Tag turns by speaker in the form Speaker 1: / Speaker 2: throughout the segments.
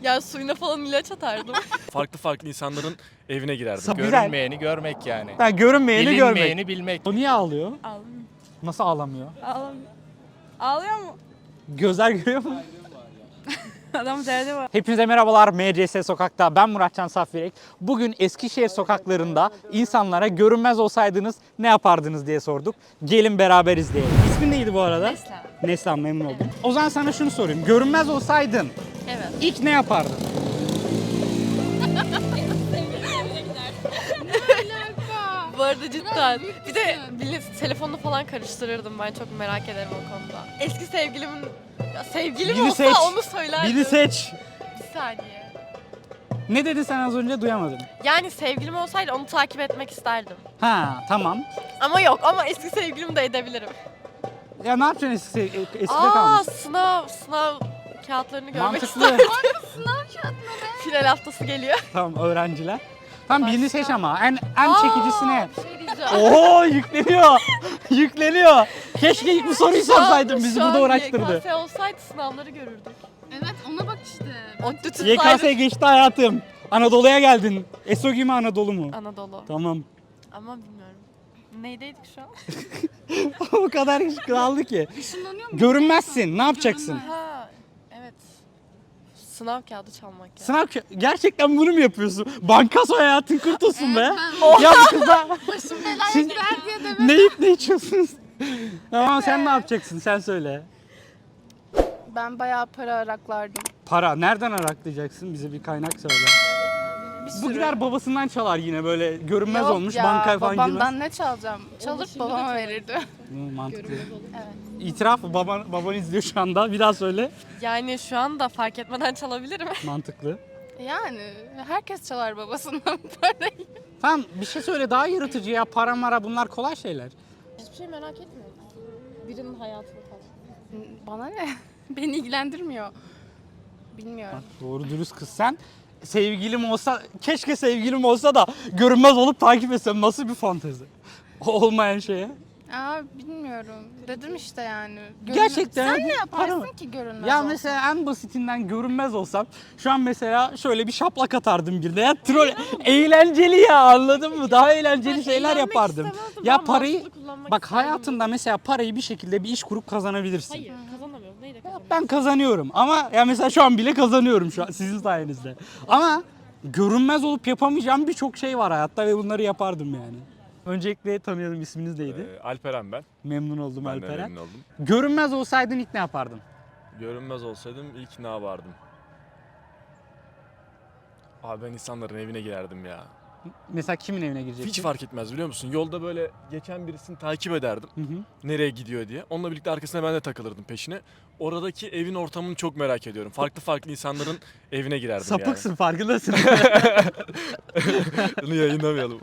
Speaker 1: Ya suyuna falan ilaç atardım.
Speaker 2: Farklı farklı insanların evine girerdim.
Speaker 3: Güzel.
Speaker 4: Görünmeyeni görmek yani.
Speaker 3: Ha, görünmeyeni görmek.
Speaker 4: Bilinmeyeni bilmek.
Speaker 3: O niye ağlıyor?
Speaker 1: Ağlamıyor.
Speaker 3: Nasıl ağlamıyor?
Speaker 1: Ağlamıyor. Ağlıyor mu?
Speaker 3: Gözler görüyor mu?
Speaker 1: Adam derdi var.
Speaker 3: Hepinize merhabalar. MCS Sokak'ta ben Muratcan Safvirek. Bugün Eskişehir sokaklarında insanlara görünmez olsaydınız ne yapardınız diye sorduk. Gelin beraber izleyelim. İsmin neydi bu arada?
Speaker 1: Neslihan.
Speaker 3: Neslihan, memnun oldum. O zaman sana şunu sorayım. Görünmez olsaydın
Speaker 1: Evet.
Speaker 3: ilk ne yapardın?
Speaker 1: Bu arada cidden. Bir de telefonla falan karıştırırdım, ben çok merak ederim o konuda. Eski sevgilimin... Ya sevgilim
Speaker 3: Birini
Speaker 1: olsa
Speaker 3: seç.
Speaker 1: onu söylerdim.
Speaker 3: Biri seç.
Speaker 1: Bir saniye.
Speaker 3: Ne dedin sen az önce, duyamadım.
Speaker 1: Yani sevgilim olsaydı onu takip etmek isterdim.
Speaker 3: Ha, tamam.
Speaker 1: Ama yok, ama eski sevgilimi de edebilirim.
Speaker 3: Ya ne yapacaksın eskide
Speaker 1: Aa,
Speaker 3: kalmış?
Speaker 1: sınav kağıtlarını görmek
Speaker 3: Mantıklı.
Speaker 1: isterdim. Final haftası geliyor.
Speaker 3: Tamam, öğrenciler. Tamam, birini seç ama en
Speaker 1: Aa,
Speaker 3: çekicisi ne?
Speaker 1: bir şey diyeceğim.
Speaker 3: Oo, yükleniyor. Yükleniyor. Keşke ilk bu soruyu sorsaydın, bizi
Speaker 1: Şu
Speaker 3: burada
Speaker 1: an
Speaker 3: uğraştırdı.
Speaker 1: YKS olsaydı sınavları görürdük.
Speaker 5: Evet, ona bak işte.
Speaker 1: ODTÜ
Speaker 3: YKS
Speaker 1: tutsaydı.
Speaker 3: geçti hayatım. Anadolu'ya geldin. ESOGİ mi, Anadolu mu?
Speaker 1: Anadolu.
Speaker 3: Tamam.
Speaker 1: Ama bilmiyorum. Neydeydik şu an?
Speaker 3: O kadar iş kaldı ki.
Speaker 5: Işınlanıyor mu?
Speaker 3: Görünmezsin. Ne yapacaksın?
Speaker 1: Ha, evet. Sınav kağıdı çalmak ya.
Speaker 3: Sınav gerçekten bunu mu yapıyorsun? Bankaso hayatın kurtulsun be.
Speaker 5: ben-
Speaker 3: Ya bu kızlar
Speaker 5: Başım belaya
Speaker 3: Siz-
Speaker 5: girer diye demek.
Speaker 3: ne yiyip ne içiyorsunuz? Tamam, sen ne yapacaksın? Sen söyle.
Speaker 5: Ben bayağı para araklardım.
Speaker 3: Para. Nereden araklayacaksın? Bize bir kaynak söyle.
Speaker 5: Bir
Speaker 3: Bu gider babasından çalar yine, böyle görünmez
Speaker 5: Yok
Speaker 3: olmuş,
Speaker 5: ya,
Speaker 3: bankaya falan
Speaker 5: babamdan
Speaker 3: girmez.
Speaker 5: ne çalacağım? Çalıp babama verirdi.
Speaker 3: Mantıklı.
Speaker 5: Evet.
Speaker 3: İtiraf, baban izliyor şu anda. Bir daha söyle.
Speaker 1: Yani şu anda fark etmeden çalabilirim.
Speaker 3: Mantıklı.
Speaker 5: Yani herkes çalar babasından parayı.
Speaker 3: Tamam, bir şey söyle daha yaratıcı ya. Para mara, bunlar kolay şeyler.
Speaker 1: Hiçbir şey merak etmiyorum. Birinin hayatını falan.
Speaker 5: Bana ne? Beni ilgilendirmiyor. Bilmiyorum.
Speaker 3: Doğru dürüst kız sen. Sevgilim olsa, keşke sevgilim olsa da görünmez olup takip etsem, nasıl bir fantezi? Olmayan şeye.
Speaker 5: Bilmiyorum. Dedim işte yani.
Speaker 3: Gerçekten
Speaker 5: Sen ne
Speaker 3: para
Speaker 5: yaparsın
Speaker 3: mı?
Speaker 5: ki görünmez
Speaker 3: Ya
Speaker 5: olsan?
Speaker 3: mesela en basitinden görünmez olsam şu an mesela şöyle bir şaplak atardım birine. Ya troll eğlenceli ya, anladın mı? Daha eğlenceli şeyler
Speaker 1: Eğlenmek
Speaker 3: yapardım.
Speaker 1: istemezdim,
Speaker 3: Ya
Speaker 1: ben
Speaker 3: parayı
Speaker 1: mantıklı kullanmak
Speaker 3: bak,
Speaker 1: isterdim.
Speaker 3: hayatında mesela parayı bir şekilde bir iş kurup kazanabilirsin.
Speaker 1: Hayır, kazanamıyorum. Neyle kazanıyorum?
Speaker 3: Ben kazanıyorum ama ya mesela şu an bile kazanıyorum şu an sizin sayenizde. Ama görünmez olup yapamayacağım birçok şey var hayatta ve bunları yapardım yani. Öncelikle tanıyalım, isminiz neydi?
Speaker 2: Alperen ben.
Speaker 3: Memnun oldum
Speaker 2: Ben de
Speaker 3: Alperen.
Speaker 2: memnun oldum.
Speaker 3: Görünmez olsaydın ilk ne yapardın?
Speaker 2: Görünmez olsaydım ilk ne yapardım? Abi ben insanların evine girerdim ya.
Speaker 3: Mesela kimin evine girecektin?
Speaker 2: Hiç fark etmez biliyor musun? Yolda böyle geçen birisini takip ederdim.
Speaker 3: Hı hı.
Speaker 2: Nereye gidiyor diye. Onunla birlikte arkasına ben de takılırdım peşine. Oradaki evin ortamını çok merak ediyorum. Farklı farklı insanların evine girerdim
Speaker 3: Sapıksın, farkındasın.
Speaker 2: yani. Bunu yayınlamayalım.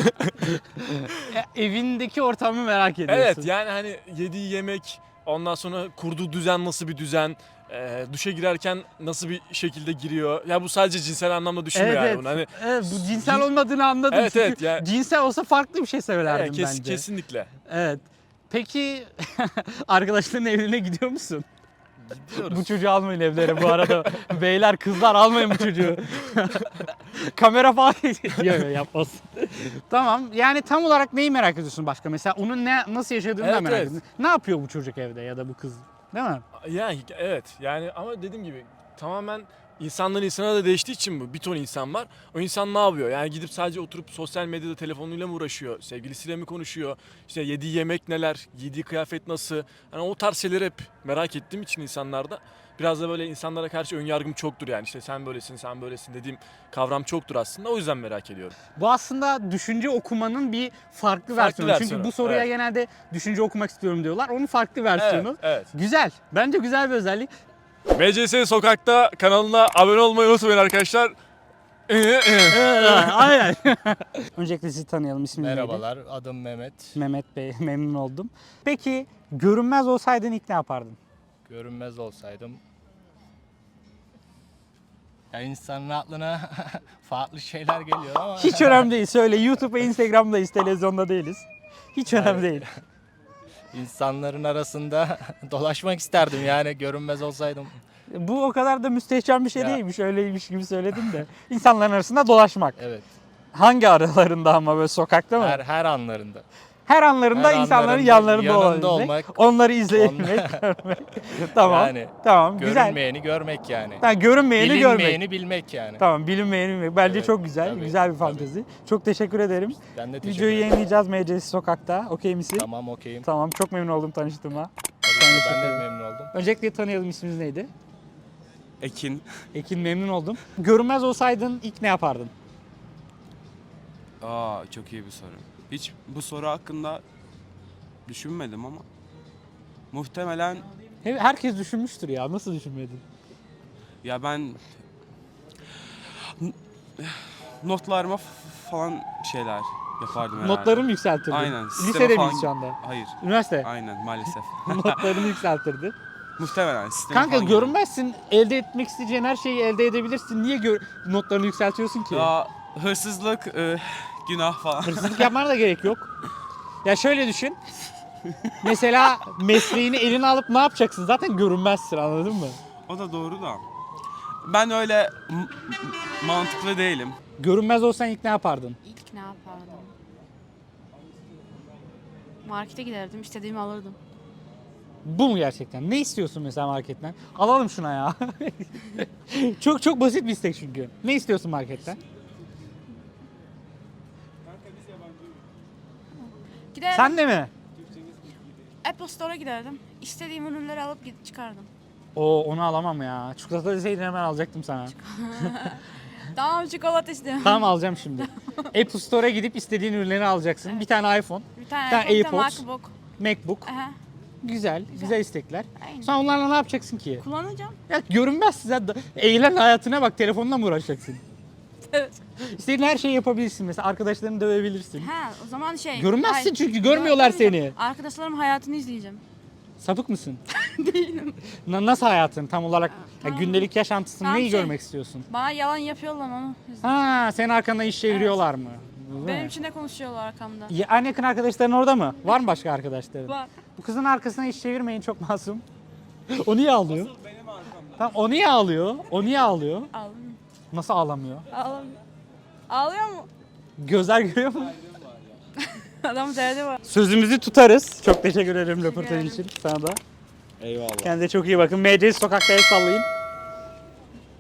Speaker 3: Evindeki ortamı merak ediyorsun.
Speaker 2: Evet yani hani yediği yemek, ondan sonra kurduğu düzen nasıl bir düzen, duşa girerken nasıl bir şekilde giriyor. Ya bu sadece cinsel anlamda düşünme
Speaker 3: Evet,
Speaker 2: yani
Speaker 3: evet.
Speaker 2: bunu. Hani
Speaker 3: Evet, bu cinsel olmadığını anladım.
Speaker 2: Evet,
Speaker 3: çünkü
Speaker 2: evet, ya-
Speaker 3: cinsel olsa farklı bir şey söylerdim bence.
Speaker 2: kesinlikle.
Speaker 3: Evet. Peki arkadaşların evine gidiyor musun?
Speaker 2: Gidiyoruz.
Speaker 3: Bu çocuğu almayın evlere bu arada. Beyler, kızlar, almayın bu çocuğu. Kamera falan yok, yapmasın. Tamam. Yani tam olarak neyi merak ediyorsun başka? Mesela onun nasıl yaşadığını da
Speaker 2: Evet,
Speaker 3: merak
Speaker 2: evet.
Speaker 3: ediyorsun. Ne yapıyor bu çocuk evde ya da bu kız? Değil mi?
Speaker 2: Yani evet yani ama dediğim gibi tamamen insandan insana da değiştiği için bu. Bir ton insan var. O insan ne yapıyor? Yani gidip sadece oturup sosyal medyada telefonuyla mı uğraşıyor? Sevgilisiyle mi konuşuyor? İşte yediği yemek neler? Giydiği kıyafet nasıl? Yani o tarz şeyleri hep merak ettiğim için insanlarda biraz da böyle insanlara karşı önyargım çoktur yani. İşte sen böylesin, sen böylesin dediğim kavram çoktur aslında. O yüzden merak ediyorum.
Speaker 3: Bu aslında düşünce okumanın bir farklı versiyonu. Çünkü
Speaker 2: versiyonu,
Speaker 3: bu soruya
Speaker 2: evet.
Speaker 3: genelde düşünce okumak istiyorum diyorlar. Onun farklı versiyonu.
Speaker 2: Evet.
Speaker 3: Güzel. Bence güzel bir özellik.
Speaker 2: MCS Sokak'ta kanalına abone olmayı unutmayın arkadaşlar.
Speaker 3: Aynen. Öncelikle sizi tanıyalım. İsminiz neydi?
Speaker 4: Merhabalar, adım Mehmet.
Speaker 3: Mehmet Bey, memnun oldum. Peki görünmez olsaydın ilk ne yapardın?
Speaker 4: Görünmez olsaydım. Ya insanın aklına farklı şeyler geliyor ama
Speaker 3: Hiç önemli değil. Söyle. YouTube ve Instagram'dayız. Televizyonda değiliz. Hiç önemli değil.
Speaker 4: insanların arasında dolaşmak isterdim yani görünmez olsaydım.
Speaker 3: Bu o kadar da müstehcen bir şey
Speaker 4: Ya.
Speaker 3: değilmiş. Öyleymiş gibi söyledim de. İnsanların arasında dolaşmak.
Speaker 4: Evet.
Speaker 3: Hangi aralarında ama böyle sokakta mı?
Speaker 4: Her anlarında.
Speaker 3: Her anlarında
Speaker 4: her
Speaker 3: insanların
Speaker 4: anlarında
Speaker 3: yanlarında
Speaker 4: yanında
Speaker 3: olabilmek.
Speaker 4: olmak.
Speaker 3: Onları izleyebilmek, görmek. Tamam.
Speaker 4: Yani
Speaker 3: Tamam. Güzel.
Speaker 4: görünmeyeni görmek yani.
Speaker 3: Ha, görünmeyeni görmek.
Speaker 4: Bilinmeyeni bilmek yani.
Speaker 3: Tamam, bilinmeyeni bilmek. Bence
Speaker 4: Evet,
Speaker 3: çok güzel.
Speaker 4: tabii,
Speaker 3: Güzel bir
Speaker 4: tabii.
Speaker 3: fantezi. Çok teşekkür ederim.
Speaker 4: Ben de teşekkür
Speaker 3: Videoyu
Speaker 4: ederim.
Speaker 3: yayınlayacağız MCS Sokak'ta. Okey misin?
Speaker 4: Tamam okeyim.
Speaker 3: Tamam. Çok memnun oldum tanıştığıma.
Speaker 4: Tabii ki ben de memnun oldum.
Speaker 3: Öncelikle tanıyalım, isminiz neydi?
Speaker 6: Ekin.
Speaker 3: Ekin, memnun oldum. Görünmez olsaydın ilk ne yapardın?
Speaker 6: Çok iyi bir soru. Hiç bu soru hakkında düşünmedim ama muhtemelen
Speaker 3: Herkes düşünmüştür ya. Nasıl düşünmedin?
Speaker 6: ya ben notlarıma falan şeyler yapardım herhalde.
Speaker 3: Notlarını yükseltirdin.
Speaker 6: Aynen. sisteme
Speaker 3: Lisede
Speaker 6: falan-
Speaker 3: miyiz şu anda?
Speaker 6: Hayır.
Speaker 3: Üniversite.
Speaker 6: Aynen maalesef.
Speaker 3: Notlarını yükseltirdin.
Speaker 6: Muhtemelen sisteme
Speaker 3: Kanka
Speaker 6: falan
Speaker 3: görünmezsin. Elde etmek isteyeceğin her şeyi elde edebilirsin. Niye notlarını yükseltiyorsun ki?
Speaker 6: Ya hırsızlık, günah falan.
Speaker 3: Hırsızlık yapmana da gerek yok. Ya şöyle düşün. Mesela mesleğini eline alıp ne yapacaksın? Zaten görünmezsin, anladın mı?
Speaker 6: O da doğru da. Ben öyle mantıklı değilim.
Speaker 3: Görünmez olsan ilk ne yapardın?
Speaker 5: İlk ne yapardım? Markete giderdim, istediğimi alırdım.
Speaker 3: Bu mu gerçekten? Ne istiyorsun mesela marketten? Alalım şuna ya. Çok basit bir istek çünkü. Ne istiyorsun marketten?
Speaker 5: Giderdim,
Speaker 3: Sen de mi?
Speaker 5: Apple Store'a giderdim. İstediğim ürünleri alıp çıkardım.
Speaker 3: Oo, onu alamam ya. Çikolata deseydin hemen alacaktım sana.
Speaker 5: Tamam, çikolata istiyorum.
Speaker 3: Tamam, alacağım şimdi. Apple Store'a gidip istediğin ürünleri alacaksın. Bir tane iPhone,
Speaker 5: Bir tane
Speaker 3: Bir tane
Speaker 5: iPhone, bir tane
Speaker 3: AirPods.
Speaker 5: MacBook.
Speaker 3: MacBook.
Speaker 5: Aha,
Speaker 3: Güzel, güzel istekler.
Speaker 5: aynen.
Speaker 3: Sonra onlarla ne yapacaksın ki?
Speaker 5: Kullanacağım.
Speaker 3: Ya görünmezsin sen. Eğlen hayatına bak, telefonla mı uğraşacaksın?
Speaker 5: Evet.
Speaker 3: İstediğin her şeyi yapabilirsin mesela. Arkadaşlarını dövebilirsin.
Speaker 5: Ha, o zaman
Speaker 3: Görünmezsin çünkü, görmüyorlar seni.
Speaker 5: Arkadaşlarımın hayatını izleyeceğim.
Speaker 3: Sapık mısın? Değilim. Nasıl hayatın tam olarak? Ya
Speaker 5: Tamam.
Speaker 3: gündelik yaşantısını
Speaker 5: Tamam,
Speaker 3: neyi
Speaker 5: şey-
Speaker 3: görmek istiyorsun?
Speaker 5: Bana yalan yapıyorlar onu.
Speaker 3: Ha, senin arkanda iş çeviriyorlar mı? Değil
Speaker 5: Benim
Speaker 3: mi?
Speaker 5: için de konuşuyorlar arkamda.
Speaker 3: Ya, en yakın arkadaşların orada mı? Var mı başka arkadaşların?
Speaker 5: Var.
Speaker 3: Bu kızın arkasına iş çevirmeyin, çok masum. O niye ağlıyor? Tamam, o niye ağlıyor? O niye ağlıyor?
Speaker 5: Ağlamıyor.
Speaker 3: Nasıl ağlamıyor?
Speaker 5: Ağlamıyor. Ağlıyor mu?
Speaker 3: Gözler görüyor mu?
Speaker 5: Adamın derdi var.
Speaker 3: Sözümüzü tutarız. Çok teşekkür ederim
Speaker 5: Teşekkür
Speaker 3: röportaj
Speaker 5: ederim.
Speaker 3: için sana da.
Speaker 6: Eyvallah.
Speaker 3: Kendinize çok iyi bakın. MCS Sokak'ta el sallayın.